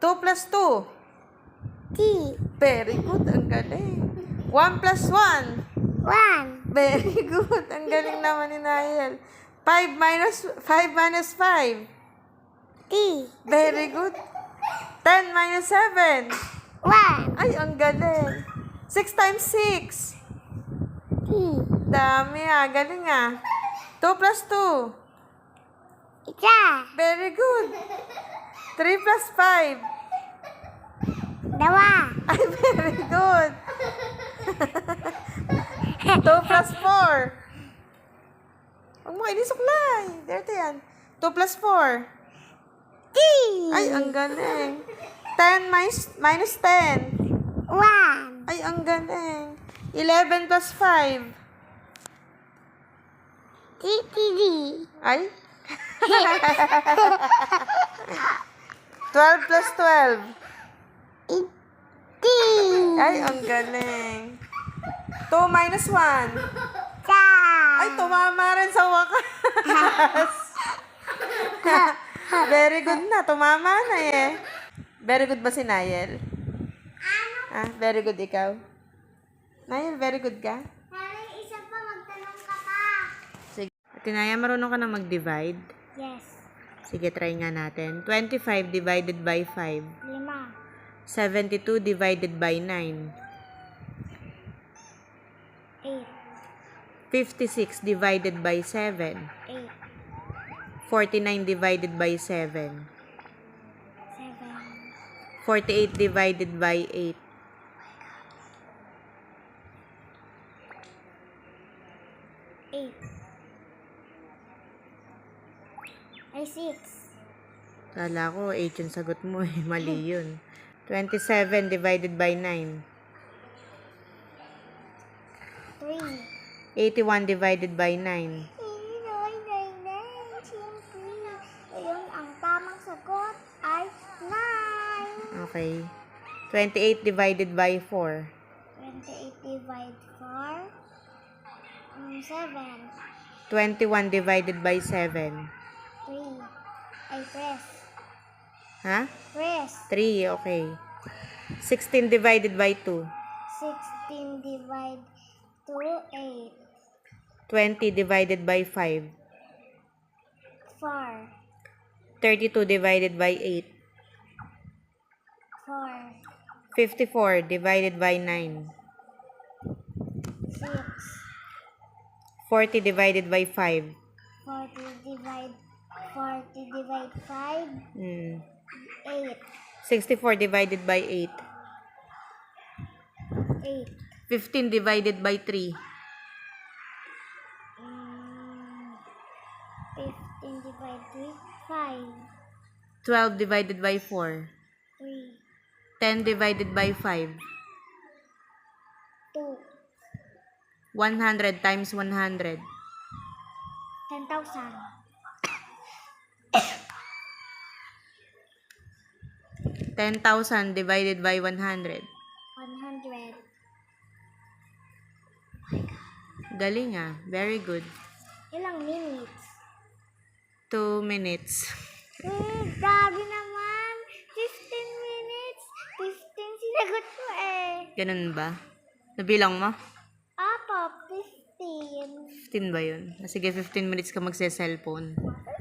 2 plus 2. 3. Very good. Ang galing. 1 plus 1. 1. Very good. Ang galing naman ni Nael. 5 minus 5. 3. Very good. 10 minus 7. 1. Ay, ang galing. 6 times 6. 3. Dami ah. Galing ah. 2 plus 2. Isa. Very good. 3 plus 5. Dalawa. Ay, very good. 2 plus 4. Huwag mo kayo suklay. Dirty yan. 2 plus 4. 3. Ay, ang galing. 10 minus 10. 1. Ay, ang galing. 11 plus 5. 3. Ay. 12 plus 12. 18. Ay, ang galing. 2 minus 1. Isa. Ay, tumama rin sa wakas. Very good na. Tumama na eh. Very good ba si Nael? Ah, very good ikaw? Nael, very good ka? Nanay, isa pa, magtanong ka pa. Sige. Tinaya, marunong ka na mag-divide? Yes. Sige, try nga natin. 25 divided by 5. 5. 72 divided by 9. 8. 56 divided by 7. 8. 49 divided by 7. 7. 48 divided by 8. 8. Ay, 6. Kala ko 8 yung sagot mo eh. Mali yun. 27 divided by 9. 3. 81 divided by 9. Siyempre. Ayun, ang tamang sagot ay 9. Okay. 28 divided by 4. 28 divide 4. 7. 21 divided by 7. 3. Ay, press. Ha? Press. 3, okay. 16 divided by 2. 16 divide 2, 8. 20 divided by 5. 4. 32 divided by 8. 4. 54 divided by 9. 6. 40 divided by 5. 40 divide 5. 8. 64 divided by 8. 8. 15 divided by 3. 15 divide 3. 5. 12 divided by 4. 3. 10 divided by 5. 2. 100 times 100. 10,000. 10,000 divided by 100. 100. Galing ah. Very good. Ilang minutes? 2 minutes. Grabe naman. 15 minutes. 15 sinagot mo eh. Ganun ba? Nabilang mo? Apo, 15. 15 ba yun? Sige, 15 minutes ka magse-cellphone.